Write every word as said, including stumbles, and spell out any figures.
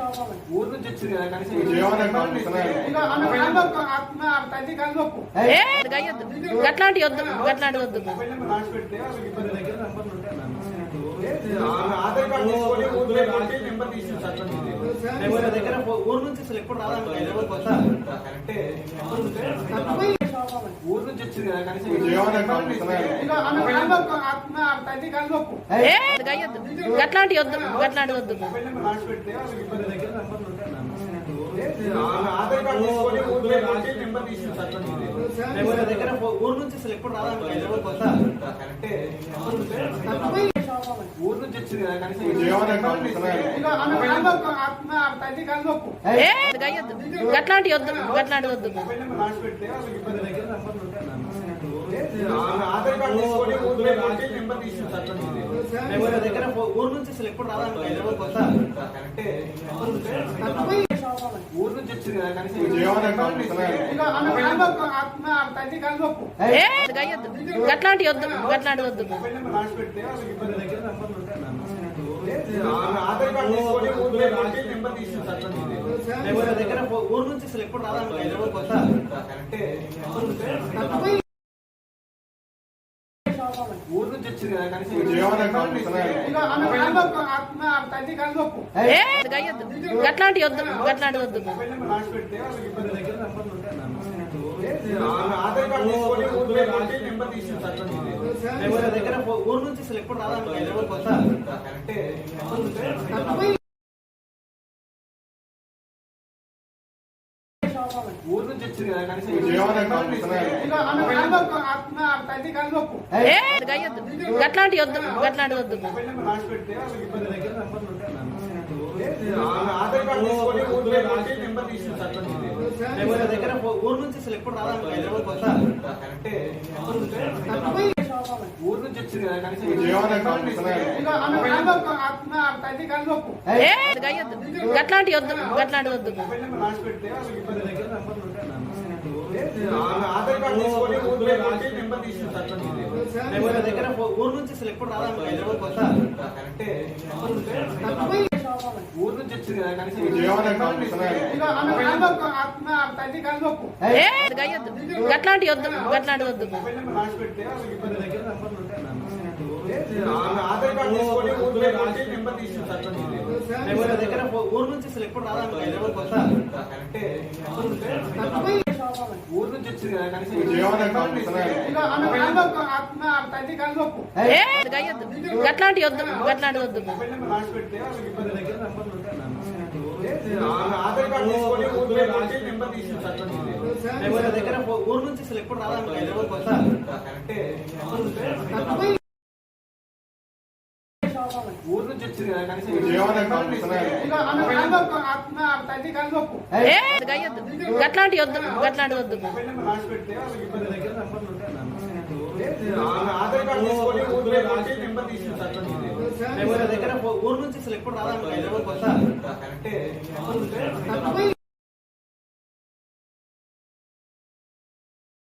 ఊరు నుంచి వచ్చింది కదా కనీసం గట్లాంటి వద్దు గట్లాంటి వద్దు ఆధార్ కార్డు తీసుకొని ఊరు నెంబర్ తీసుకుంటారు దగ్గర ఊరు నుంచి అసలు ఎప్పుడు రాదా కరెక్టే ఊరు నుంచి వచ్చింది కదా కనీసం గట్లాంటి వద్దు గట్లాంటి వద్దు ఆధార్ కార్డు తీసుకొని ఊరు నెంబర్ తీసుకుంటారు దగ్గర ఊరు నుంచి అసలు ఎప్పుడు రాదా కరెక్టే ఊరు నుంచి వచ్చింది కదా కనీసం గట్లాంటి వద్దు గట్లాంటి వద్దు ఆధార్ కార్డు తీసుకొని ఊరు నెంబర్ తీసుకుంటారు దగ్గర ఊరు నుంచి అసలు ఎప్పుడు రాదా కరెక్టే ఊరు నుంచి వచ్చింది కదా కనీసం గట్లాంటి వద్దు గట్లాంటి వద్దు ఆధార్ కార్డు తీసుకొని ఊరు నెంబర్ తీసుకుంటారు దగ్గర ఊరు నుంచి అసలు ఎప్పుడు రాదా కరెక్టే ఊరు నుంచి వచ్చింది కదా కనీసం గట్లాంటి వద్దు గట్లాంటి వద్దు ఆధార్ కార్డు తీసుకొని ఊరు నెంబర్ తీసుకుంటారు దగ్గర ఊరు నుంచి అసలు ఎప్పుడు రాదా కరెక్టే ఊరు నుంచి వచ్చింది కదా కనీసం గట్లాంటి వద్దు గట్లాంటి వద్దు ఆధార్ కార్డు తీసుకొని ఊరు నెంబర్ తీసుకుంటారు దగ్గర ఊరు నుంచి అసలు ఎప్పుడు రాదా కరెక్టే ఊరు నుంచి వచ్చింది కదా కనీసం గట్లాంటి వద్దు గట్లాంటి వద్దు ఆధార్ కార్డు తీసుకొని ఊరు నెంబర్ తీసుకుంటారు దగ్గర ఊరు నుంచి అసలు ఎప్పుడు రాదా కరెక్టే ఊరు నుంచి వచ్చింది కదా కనీసం గట్లాంటి వద్దు గట్లాంటి వద్దు ఆధార్ కార్డు తీసుకొని ఊరు నెంబర్ తీసుకుంటారు దగ్గర ఊరు నుంచి అసలు ఎప్పుడు రాదా కరెక్టే ఊరు నుంచి వచ్చింది కదా కనీసం గట్లాంటి వద్దు గట్లాంటి వద్దు ఆధార్ కార్డు తీసుకొని ఊరు నెంబర్ తీసుకుంటారు దగ్గర ఊరు నుంచి అసలు ఎప్పుడు రాదా కరెక్టే ఊరు నుంచి వచ్చింది కదా కనీసం గట్లాంటి వద్దు గట్లాంటి వద్దు ఆధార్ కార్డు తీసుకొని ఊరు నెంబర్ తీసుకుంటారు దగ్గర ఊరు నుంచి అసలు ఎప్పుడు రాదా కరెక్టే